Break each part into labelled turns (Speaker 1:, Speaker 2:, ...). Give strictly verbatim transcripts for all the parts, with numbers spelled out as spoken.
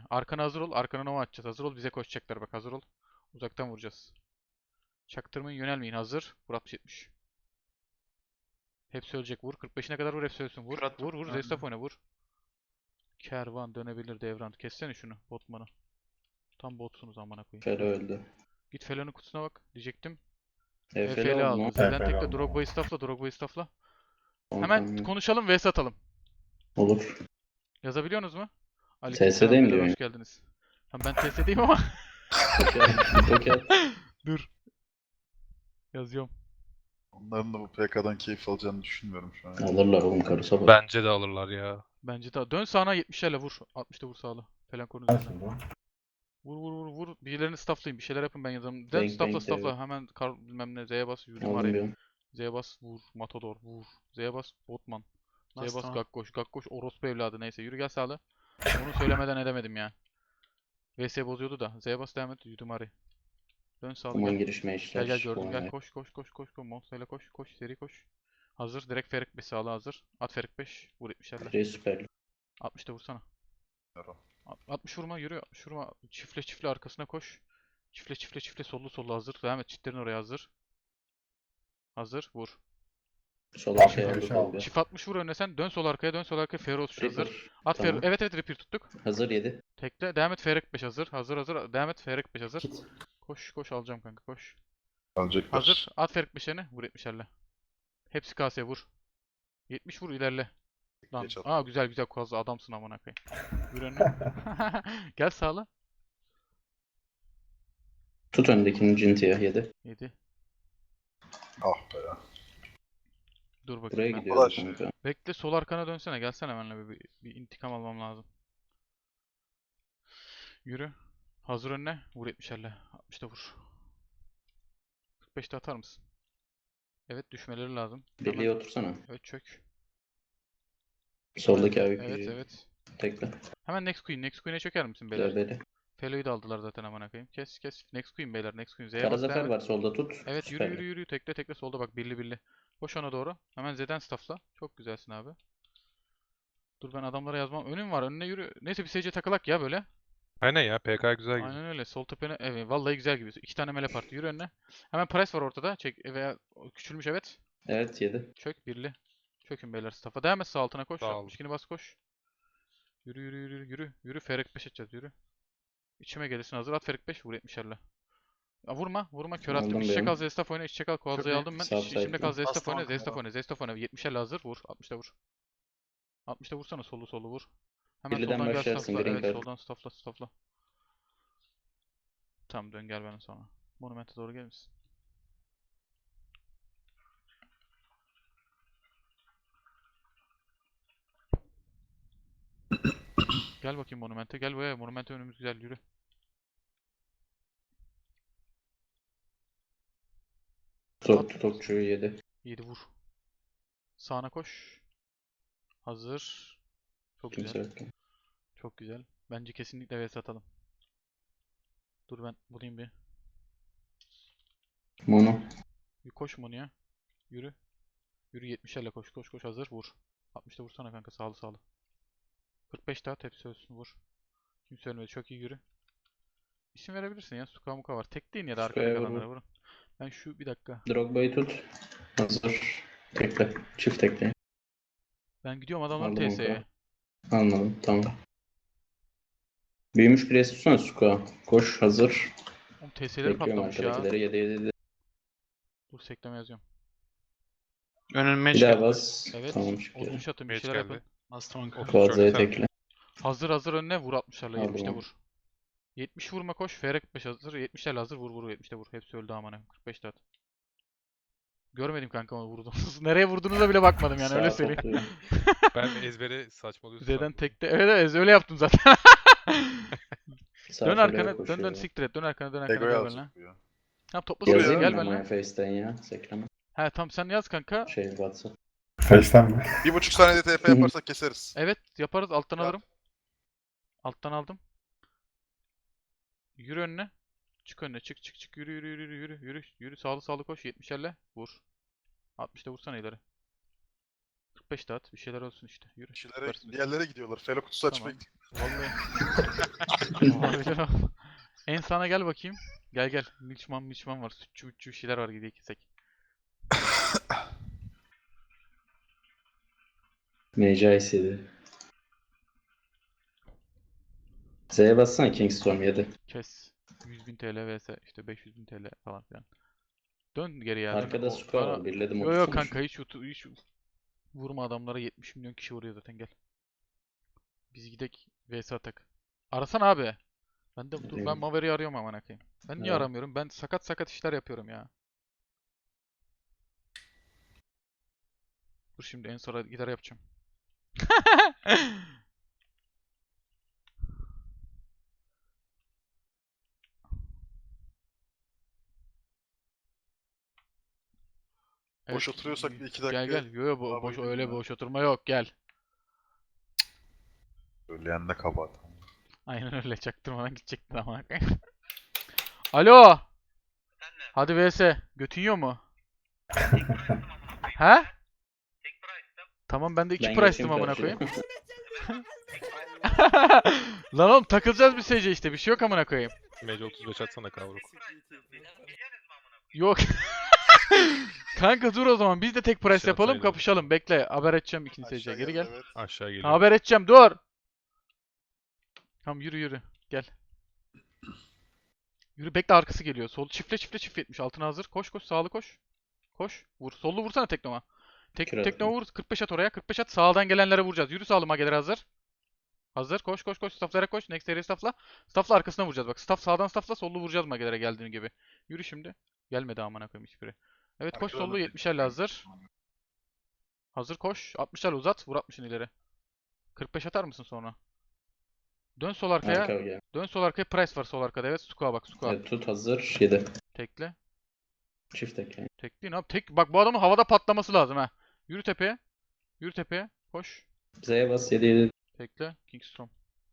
Speaker 1: oyna. Arkana hazır ol. Arkana nova atacağız. Hazır ol. Bize koşacaklar bak. Hazır ol. Uzaktan vuracağız. Çaktırmayın. Yönelmeyin. Hazır. Vur altmış yetmiş. Hepsi ölecek. Vur. kırk beşine kadar vur. Hepsi ölsün. Vur.
Speaker 2: Fırat
Speaker 1: Vur vur.
Speaker 2: öldü.
Speaker 1: Zestaf oyna. Vur. Kervan dönebilir devran. Kessene şunu. Botman'ı. Tam botsunuz amına koyayım.
Speaker 3: Felo öldü.
Speaker 1: Git Felo'nun kutusuna bak. Diyecektim.
Speaker 3: E,
Speaker 1: E,
Speaker 3: Felo
Speaker 1: Felo
Speaker 3: aldı mı?
Speaker 1: aldı. Zeden
Speaker 4: Felo
Speaker 1: tekle
Speaker 4: aldı.
Speaker 1: Drogba'yı staffla. Drogba'yı staffla.
Speaker 3: Tamam,
Speaker 1: Hemen
Speaker 3: tamam.
Speaker 1: konuşalım ve satalım.
Speaker 3: Olur.
Speaker 1: Yazabiliyorsunuz mu?
Speaker 3: T
Speaker 1: Aleykümselam,
Speaker 3: S'deyim
Speaker 1: beyler,
Speaker 3: diyor
Speaker 1: hoş geldiniz. Tamam ben T S'deyim ama
Speaker 3: Tokat.
Speaker 1: dur. Yazıyorum.
Speaker 2: Onların da bu P K'dan keyif alacağını düşünmüyorum şu an.
Speaker 3: Alırlar oğlum karısa bak.
Speaker 5: Bence de alırlar ya.
Speaker 1: Bence daha. Dön sağına yetmişlerle vur. altmışta vur sağlı. Falan konu
Speaker 4: Ben
Speaker 1: üzerine.
Speaker 4: şimdi.
Speaker 1: Vur vur vur vur. Birilerini stafflayın. Bir şeyler yapın ben yazarım. Dön
Speaker 3: Bang
Speaker 1: staffla
Speaker 3: bang
Speaker 1: staffla.
Speaker 3: devam.
Speaker 1: Hemen kar bilmem ne. Z'ye bas. Yürüdüm
Speaker 3: Aldım
Speaker 1: araya.
Speaker 3: bir.
Speaker 1: Z'ye bas. Vur. Matador. Vur. Z'ye bas. Botman. Z'ye
Speaker 2: Bas,
Speaker 1: bas.
Speaker 2: tamam.
Speaker 1: Gakkoş. Gakkoş. Orospu evladı. Neyse. Yürü gel sağlı. Onu söylemeden edemedim ya. V S bozuyordu da. Z'ye bas devam et. Yürüdüm araya. Dön sağlı
Speaker 3: Aman
Speaker 1: gel.
Speaker 3: girişme işler.
Speaker 1: Gel gel gördüm gel
Speaker 3: Olay.
Speaker 1: koş koş koş koş koş Monster'la koş koş seri koş. Hazır direkt Ferik beş sağla hazır. At Ferik beş vur yetmişlerle.
Speaker 3: Free süper.
Speaker 1: altmışta vursana.
Speaker 2: Yaro.
Speaker 1: Alt- altmış vurma yürü altmış vurma. Çifle çifle arkasına koş. Çifle çifle çifle sollu sollu hazır. Devam et çitlerin oraya hazır. Hazır vur.
Speaker 3: Sola şey
Speaker 4: Aşağı
Speaker 3: aldı.
Speaker 4: aşağı aldı.
Speaker 3: Tolga.
Speaker 1: Çift altmış vur önüne sen dön sol arkaya dön sol arkaya Feroz hazır.
Speaker 3: Reaper.
Speaker 1: At Fer
Speaker 3: Tamam.
Speaker 1: evet evet repeat tuttuk.
Speaker 3: Hazır yedi.
Speaker 1: Tekle devam et Ferik beş hazır. Hazır hazır devam et Ferik beş hazır.
Speaker 4: Kit.
Speaker 1: Koş koş alacağım kanka koş.
Speaker 2: Alacaklar.
Speaker 1: Hazır. At Ferik beşlerini. Vur yetmişlerle. Hepsi kaseye vur. yetmiş vur ilerle. Lan.
Speaker 2: Geç at.
Speaker 1: Aa güzel güzel kozlu adamsın amına koyayım. Yürü önüne. Gel sağla.
Speaker 3: Tut öndekini Cinti'ye yedi.
Speaker 1: yedi.
Speaker 2: Ah be ya.
Speaker 1: Dur
Speaker 3: Buraya
Speaker 1: bakayım ben.
Speaker 3: gidiyor
Speaker 2: Ulaş.
Speaker 3: kanka.
Speaker 1: Bekle sol arkana dönsene. Gelsene benimle bir, bir, bir intikam almam lazım. Yürü. Hazır önüne. Vur yetmişlerle. altmışta vur. kırk beşte atar mısın? Evet düşmeleri lazım. Hemen-
Speaker 3: Birliğe otursana.
Speaker 1: Evet çök.
Speaker 3: Soldaki abi.
Speaker 1: Evet evet.
Speaker 3: Tekle.
Speaker 1: Hemen next queen. Next queen'e çöker misin beyler?
Speaker 3: Dövbeli.
Speaker 1: Felo'yu da aldılar zaten amına koyayım. Kes kes. Next queen beyler. Next queen. Z'ye
Speaker 3: Kara
Speaker 1: bas devam
Speaker 3: zafer
Speaker 1: et.
Speaker 3: var solda tut.
Speaker 1: Evet yürü
Speaker 3: Süperli.
Speaker 1: yürü yürü. Tekle tekle solda bak birli birli. Koş ona doğru. Hemen Z'den staffla. Çok güzelsin abi. Dur ben adamlara yazmam. Önüm var. Önüne yürü. Neyse bir S C takılak ya böyle.
Speaker 5: Aynen ya P K güzel gibi.
Speaker 1: Aynen öyle. Sol tepene. Evet vallahi güzel gibi. İki tane mele parti. Yürü önüne. Hemen Price var ortada. Çek veya küçülmüş evet.
Speaker 3: Evet yedi.
Speaker 1: Çök birli. Çökün beyler staff'a. Devam et sağ altına koş.
Speaker 5: Sağ ol.
Speaker 1: altmış ikini bas koş. Yürü yürü yürü yürü. Yürü Ferik beş edeceğiz yürü. İçime gelirsin hazır. At Ferik beş vur yetmişlerle. Ya vurma, vurma kör attım.
Speaker 3: Aldım
Speaker 1: İçe
Speaker 3: benim.
Speaker 1: kal Zestaf oyna, içe kal Koalza'yı
Speaker 2: iyi.
Speaker 1: aldım ben.
Speaker 3: Sağ
Speaker 1: İç, içimde kal
Speaker 3: side'den.
Speaker 1: Zestaf oyna,
Speaker 2: Bastım
Speaker 1: Zestaf
Speaker 2: arkana.
Speaker 1: oyna, Zestaf oyna. yetmişlerle hazır vur. altmışta vur. altmışta vursana solu solu vur. Hemen
Speaker 3: Birliden
Speaker 1: soldan gel
Speaker 3: başlarsın,
Speaker 1: staffla.
Speaker 3: green
Speaker 1: Evet
Speaker 3: card.
Speaker 1: soldan staffla staffla. Tamam dön gel bana sonra. Monument'e doğru gelir misin? Gel bakayım Monument'e. Gel buraya. Monument'e önümüz güzel yürü.
Speaker 3: Topçu topçu yedi.
Speaker 1: yedi vur. Sağına koş. Hazır. Çok
Speaker 3: Kimse
Speaker 1: güzel.
Speaker 3: yok.
Speaker 1: Çok güzel. Bence kesinlikle vs atalım. Dur ben bulayım bir.
Speaker 3: Mono.
Speaker 1: Bir koş Monu'ya. Yürü. Yürü yetmişlerle koş koş koş hazır vur. altmışta vursana kanka sağlı sağlı. kırk beş daha tepsi ölsün vur. Kimse ölmedi çok iyi yürü. İsim verebilirsin ya Suka Muka var. Tek değil ya da arkada
Speaker 3: Suka'ya vur,
Speaker 1: kalanlara
Speaker 3: vur.
Speaker 1: vurun. Ben şu bir dakika.
Speaker 3: Drogba'yı tut. Hazır. Tekle. Çift tekle.
Speaker 1: Ben gidiyorum adamların
Speaker 3: Aldım
Speaker 1: T S'ye.
Speaker 3: onu. Anladım. Tamam. Büyümüş pres tutsana Suka. Koş hazır.
Speaker 1: Oğlum T S'leri
Speaker 3: Bekliyorum
Speaker 1: patlamış ya.
Speaker 3: arkadakileri. yedi yedi yedi.
Speaker 1: Dur sekleme yazıyorum.
Speaker 2: Önüme
Speaker 3: Bir daha bas.
Speaker 1: Evet.
Speaker 3: Tamam çıktı.
Speaker 1: otuz atın bir
Speaker 5: Mage
Speaker 1: şeyler
Speaker 5: geldi.
Speaker 1: yapın.
Speaker 2: Bastım arkana.
Speaker 5: Otuz
Speaker 3: Kuadza'ya
Speaker 5: şöyle
Speaker 3: tekle.
Speaker 1: Hazır hazır önüne vur altmışlarla
Speaker 3: Aldım
Speaker 1: yetmişte
Speaker 3: onu.
Speaker 1: vur. yetmiş vurma koş. F R kırk beş hazır. yetmişlerle hazır vur vur yetmişte vur. Hepsi öldü amına. kırk beşte at. Görmedim kanka onu vurdunuz. Nereye vurduğunuza bile bakmadım yani öyle
Speaker 3: Sağa
Speaker 1: söyleyeyim.
Speaker 3: topluyor.
Speaker 5: Ben ezbere saçmalıyorsun
Speaker 1: Z'den
Speaker 5: sandım.
Speaker 1: tekte. Evet evet öyle yaptım zaten.
Speaker 3: Sağ
Speaker 1: Dön
Speaker 3: şöyle
Speaker 1: arkana, dön dön
Speaker 3: koşuyor.
Speaker 1: siktir et. Dön arkana, dön arkana
Speaker 2: Ego'yu
Speaker 1: gel benimle.
Speaker 2: alacak bu ya.
Speaker 1: Tamam topla seni
Speaker 3: Yazayım
Speaker 1: gel
Speaker 3: mı
Speaker 1: benimle.
Speaker 3: ama Face'ten ya? Sekleme.
Speaker 1: He tamam sen yaz kanka.
Speaker 3: Şey WhatsApp.
Speaker 4: Face'ten mi?
Speaker 2: Bir buçuk saniyede T P yaparsak keseriz.
Speaker 1: Evet yaparız alttan
Speaker 2: Yap.
Speaker 1: alırım. Alttan aldım. Yürü önüne. Çık önüne çık çık çık yürü yürü yürü yürü yürü yürü yürü sağlı sağlı koş yetmişlerle vur. altmışta vursana ileri. kırk beşte at bir şeyler olsun işte yürü.
Speaker 2: Kişilere,
Speaker 1: Süpersiniz.
Speaker 2: diğerlere gidiyorlar. Felo kutusu
Speaker 1: Tamam.
Speaker 2: açmaya gidiyor.
Speaker 1: Vallahi. Olabilir ama. En sağına gel bakayım. Gel gel. Milçman milçman var. Sütçü mütçü bir şeyler var gidiyor kesek.
Speaker 3: Mage Ice'ydi. Z'ye bassana Kingstorm yedi.
Speaker 1: Kes. yüz bin T L vs işte beş yüz bin T L falan filan. Dön geri ya. Dön.
Speaker 3: Arkada
Speaker 1: O-
Speaker 3: Sukar
Speaker 1: bana-
Speaker 3: var. Birledim
Speaker 1: Yo yo
Speaker 3: otuz
Speaker 1: kanka hiç, utu- hiç vurma adamlara, yetmiş milyon kişi vuruyor zaten, gel. Biz gidek vs atak. Arasana abi. Ben de dur ben
Speaker 3: Arıyorum.
Speaker 1: Maverick'i arıyorum aman koyayım. Ben niye
Speaker 3: Evet.
Speaker 1: aramıyorum? Ben sakat sakat işler yapıyorum ya. Dur şimdi en sonra gider yapacağım.
Speaker 2: Boş
Speaker 1: Evet,
Speaker 2: oturuyorsak bir iki
Speaker 1: gel
Speaker 2: dakika
Speaker 1: gel. Yo yo bo-
Speaker 2: hava
Speaker 1: boş
Speaker 2: gideyim
Speaker 1: öyle
Speaker 2: ya.
Speaker 1: boş oturma yok, gel.
Speaker 2: Söyleyen de kabahat.
Speaker 1: Aynen öyle, çaktırmadan gidecektin ama. Alo. Hadi vs. Götün yiyor mu? He? Tamam ben de iki
Speaker 3: Ben
Speaker 1: price'tım
Speaker 3: geçeyim
Speaker 1: amına
Speaker 3: karşıya.
Speaker 1: koyayım. Lan oğlum takılacağız bir S C işte, bir şey yok amına koyayım.
Speaker 5: Mage otuz beş atsana kavruk.
Speaker 1: Yok. Kanka dur o zaman biz de tek price
Speaker 5: Şey
Speaker 1: yapalım,
Speaker 5: atsaydım.
Speaker 1: kapışalım. Bekle, haber edeceğim ikinci S C'ye.
Speaker 2: Aşağı
Speaker 1: Geri
Speaker 2: geldi,
Speaker 1: gel.
Speaker 2: evet.
Speaker 5: Aşağı
Speaker 1: Ha,
Speaker 5: geliyor.
Speaker 1: haber edeceğim, dur. Tamam yürü yürü. Gel. Yürü, bekle, arkası geliyor. Sol çiftle çiftle çift yetmiş. Altına hazır. Koş koş, sağlı koş. Koş. Vur. Sollu vursana teknoma. Tek
Speaker 3: Kür
Speaker 1: teknoma
Speaker 3: attım.
Speaker 1: vur. kırk beş at oraya. kırk beş at. Sağdan gelenlere vuracağız. Yürü sağlı mageler hazır. Hazır. Koş koş koş. Staff'lara koş. Next area staff'la. Staff'la arkasına vuracağız bak. Staff sağdan staff'la, sollu vuracağız magelere geldiğin gibi. Yürü şimdi. Gelmedi amına koyayım hiçbiri. Evet koş
Speaker 2: Arkadan
Speaker 1: sollu,
Speaker 2: da
Speaker 1: yetmişlerle hazır. Hazır koş. altmışlarla uzat. Vur altmışın ileri. kırk beş atar mısın sonra? Dön sol arkaya.
Speaker 3: Arka gel.
Speaker 1: Dön sol arkaya. Price var sol arkada. Evet. Sukua bak. Sukua.
Speaker 3: Evet, tut hazır. yedi.
Speaker 1: Tekle.
Speaker 3: Çift tek yani.
Speaker 1: Tekleyin abi. Tek. Bak bu adamın havada patlaması lazım ha. Yürü tepeye. Yürü tepeye. Koş.
Speaker 3: Z'ye bas yedi yedi.
Speaker 1: Tekle. Kingstorm.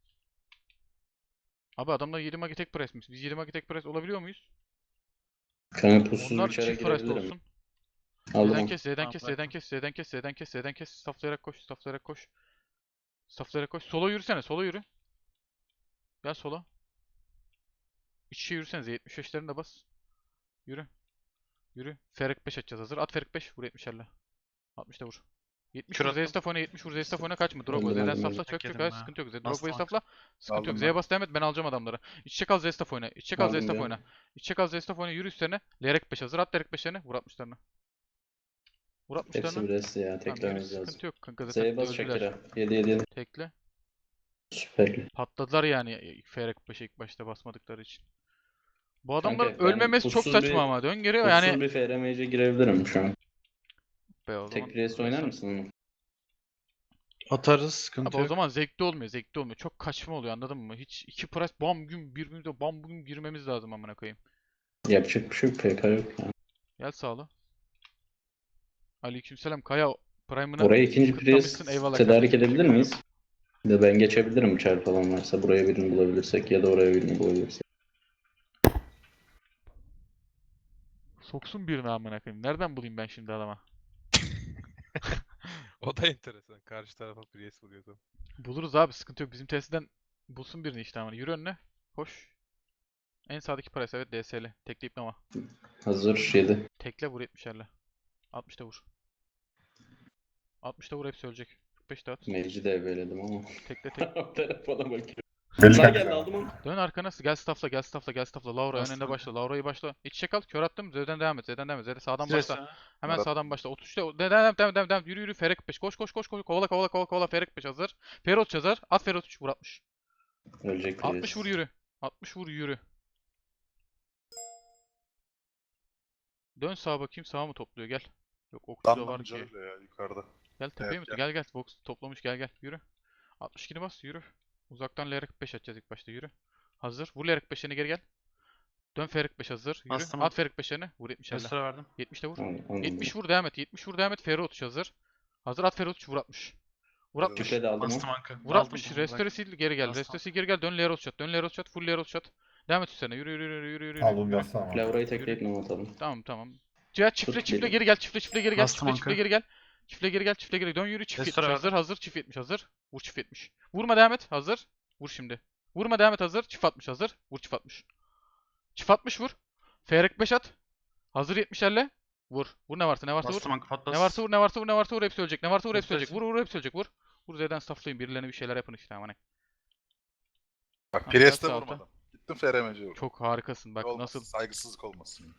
Speaker 1: Abi adamlar yedi magi tek presmiş. Biz yedi magi tek pres olabiliyor muyuz?
Speaker 3: Kanka pussuz
Speaker 1: Onlar
Speaker 3: bir çare
Speaker 1: çift preste
Speaker 3: girebilirim.
Speaker 1: olsun.
Speaker 3: Aldım
Speaker 1: Z'den
Speaker 3: onu.
Speaker 1: kes, Z'den
Speaker 4: Tamam,
Speaker 1: kes,
Speaker 4: bıraktım.
Speaker 1: Z'den kes, Z'den kes, Z'den kes, Z'den kes, Stafflayarak koş, stafflayarak koş. Stafflayarak koş. Sola yürüsene, sola yürü. Gel sola. İç içe yürüsenize, yetmiş beşlerini de bas. Yürü. Yürü. Ferik beş atacağız hazır. At Ferik beş, vur yetmişlerle. altmışta vur. yetmiş
Speaker 4: Kür
Speaker 1: vur,
Speaker 4: attım.
Speaker 1: Zestaf oyna, yetmiş vur, Zestaf oyna, kaçma. Drogba,
Speaker 3: Öldüm,
Speaker 1: Z'den
Speaker 3: öldüm,
Speaker 1: staffla,
Speaker 3: öldüm.
Speaker 1: çök çök,
Speaker 4: Yedim
Speaker 1: hayır
Speaker 4: ha.
Speaker 1: sıkıntı yok.
Speaker 4: Bastım
Speaker 1: Drogba'yı
Speaker 4: kanka.
Speaker 1: staffla, sıkıntı
Speaker 2: Aldım
Speaker 1: yok.
Speaker 2: ben.
Speaker 1: Z'ye bas devam et, ben alacağım adamları. İç çek al, Zestaf oyna. İç çek al,
Speaker 3: Aldım
Speaker 1: Zestaf
Speaker 3: ya.
Speaker 1: oyna. İç çek al, Zestaf oyna, yürü üstlerine. Lerek beş hazır, at Lerek beşlerini, vur altmışlarını. Vur
Speaker 3: Hepsi
Speaker 1: altmışlarını.
Speaker 3: bir resti ya.
Speaker 1: Tamam yürü,
Speaker 3: Teklememiz lazım.
Speaker 1: sıkıntı yok kanka, zaten
Speaker 3: Z'ye bas
Speaker 1: öldüler.
Speaker 3: Shakira. yedi yedi yedi.
Speaker 1: Tekle.
Speaker 3: Süperli.
Speaker 1: Patladılar yani F R beşe ilk başta basmadıkları için. Bu adamların
Speaker 3: Kanka, ben
Speaker 1: ölmemesi çok
Speaker 3: pussuz
Speaker 1: saçma
Speaker 3: bir-
Speaker 1: ama. Dön geri
Speaker 3: Pussuz
Speaker 1: yani.
Speaker 3: bir F R Mage'e girebilirim şu an.
Speaker 1: Be o zaman.
Speaker 3: Tek priest oynar
Speaker 1: Neyse.
Speaker 3: mısın onu?
Speaker 4: Atarız, sıkıntı
Speaker 1: Abi o
Speaker 4: yok.
Speaker 1: zaman zevkli olmuyor, zevkli olmuyor. Çok kaçma oluyor, anladın mı? Hiç iki price bam gün birbirimize bam gün girmemiz lazım amına koyayım.
Speaker 3: Yapacak bir şey yok. P K yok yani.
Speaker 1: Gel sağla. Aleykümselam Kaya Prime'ını
Speaker 3: Oraya ikinci
Speaker 1: kıtlamışsın,
Speaker 3: priest
Speaker 1: eyvallah
Speaker 3: tedarik
Speaker 1: kardeşim,
Speaker 3: edebilir miyiz? Ya ben geçebilirim çar falan varsa. Buraya birini bulabilirsek ya da oraya birini bulabilirsek.
Speaker 1: Soksun birini amına koyayım. Nereden bulayım ben şimdi adama?
Speaker 5: O da enteresan. Karşı tarafa Priest vuruyordu.
Speaker 1: Buluruz abi, sıkıntı yok. Bizim tesisten bulsun birini işte amına. Yürü önüne. Koş. En sağdaki price, evet D S L. Tekleyip nama.
Speaker 3: Hazır yedi.
Speaker 1: Tekle vur yetmişlerle. altmışta vur. altmışta vur, hepsi ölecek. kırk beş dağıt.
Speaker 3: Mage'i de evveledim ama.
Speaker 1: Tekle tek.
Speaker 3: Telefona bakıyorum.
Speaker 2: Belli
Speaker 3: Sağ
Speaker 2: kanka.
Speaker 3: geldi aldım onu.
Speaker 1: Dön arkana, gel staffla, gel staffla, gel staffla. Laura
Speaker 4: Bastım
Speaker 1: önünde
Speaker 4: kanka.
Speaker 1: başla. Laura'yı başla. İç çek al, kör attım. Z'den devam et, Z'den devam et. Z'den sağdan
Speaker 4: Stres
Speaker 1: başla.
Speaker 4: ha.
Speaker 1: Hemen
Speaker 2: Murat.
Speaker 1: sağdan başla. otuz üçte devam devam devam devam devam. Yürü yürü Ferek beş. Koş koş koş koş. Kovala kovala kovala kovala Ferek beş hazır. Ferot hazır. At Ferot üç vur altmış.
Speaker 3: Ölecek
Speaker 1: altmış
Speaker 3: priest.
Speaker 1: vur yürü. altmış vur yürü. Dön sağa bakayım, sağa mı topluyor, gel. Yok okçu da var
Speaker 2: Damlamca
Speaker 1: ki.
Speaker 2: öyle ya yukarıda.
Speaker 1: Gel tepeye
Speaker 2: Evet,
Speaker 1: mi? Gel gel. Box toplamış, gel gel. Yürü. altmış ikini bas, yürü. Uzaktan L R kırk beş atacağız ilk başta, yürü. Hazır. Vur L R kırk beşlerini, geri gel. Dön F R kırk beş hazır. Yürü.
Speaker 4: Bastım.
Speaker 1: At F R kırk beşlerini. Vur yetmişlerle.
Speaker 4: Restore verdim.
Speaker 1: yetmişte vur.
Speaker 3: Anladım, anladım.
Speaker 1: yetmiş vur devam et. yetmiş vur devam et. F R otuz hazır. Hazır at F R otuz vur altmış. Vur altmış.
Speaker 3: Çifre de aldım
Speaker 4: Bastım
Speaker 3: o.
Speaker 4: anka.
Speaker 1: Vur
Speaker 4: Aldım,
Speaker 1: altmış.
Speaker 4: aldım,
Speaker 1: Restore
Speaker 4: bırak.
Speaker 1: sil, geri gel.
Speaker 4: Bastım.
Speaker 1: Restore sil, geri gel. Dön L R otuz shot. Dön L R otuz shot. Full L R otuz shot. Devam et üstlerine. Yürü yürü yürü yürü yürü.
Speaker 6: Aldım
Speaker 1: yürü.
Speaker 6: yazsana ama.
Speaker 3: Laura'yı tekleyip ne atalım.
Speaker 1: Tamam tamam. Cihat çiftle
Speaker 3: Tut
Speaker 1: çiftle
Speaker 3: geri.
Speaker 1: geri gel. Çiftle çiftle geri gel.
Speaker 4: Bastım
Speaker 1: Çiftle çiftle
Speaker 4: anka.
Speaker 1: geri gel. Çiftle geri gel. Çiftle geri. Dön yürü çift yetmiş
Speaker 4: Restore
Speaker 1: hazır. Hazır çift yetmiş hazır. Vur çift yetmiş. Vurma devam et. Hazır. Vur şimdi. Vurma devam et hazır. Çift atmış hazır. Vur çift atmış. Çift atmış vur. F R beş at. Hazır yetmişlerle. Vur. Vur ne varsa ne varsa vur.
Speaker 6: Bastım kanka patlas.
Speaker 1: Ne varsa vur ne varsa vur ne varsa vur hepsi ölecek. Ne varsa vur hepsi
Speaker 6: Göster.
Speaker 1: ölecek. Vur vur hepsi ölecek vur. Vur Z'den stafflayın. Birilerine bir şeyler yapın işte aman.
Speaker 2: Bak
Speaker 1: Ha,
Speaker 2: Priest'e
Speaker 1: biraz sağ
Speaker 2: vurmadım. Gittim F R M C'ye vurdum.
Speaker 1: Çok harikasın bak
Speaker 2: Olmasın,
Speaker 1: nasıl.
Speaker 2: saygısızlık olmasın.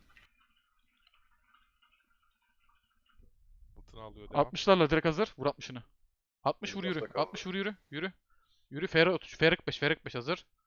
Speaker 5: Altını alıyor devam.
Speaker 1: altmışlarla direkt hazır. Vur altmışını. altmış vur
Speaker 2: Benim
Speaker 1: yürü.
Speaker 2: lafta kaldı.
Speaker 1: altmış vur yürü. Yürü. Yürü. F R otuz. F R beş. F R beş hazır.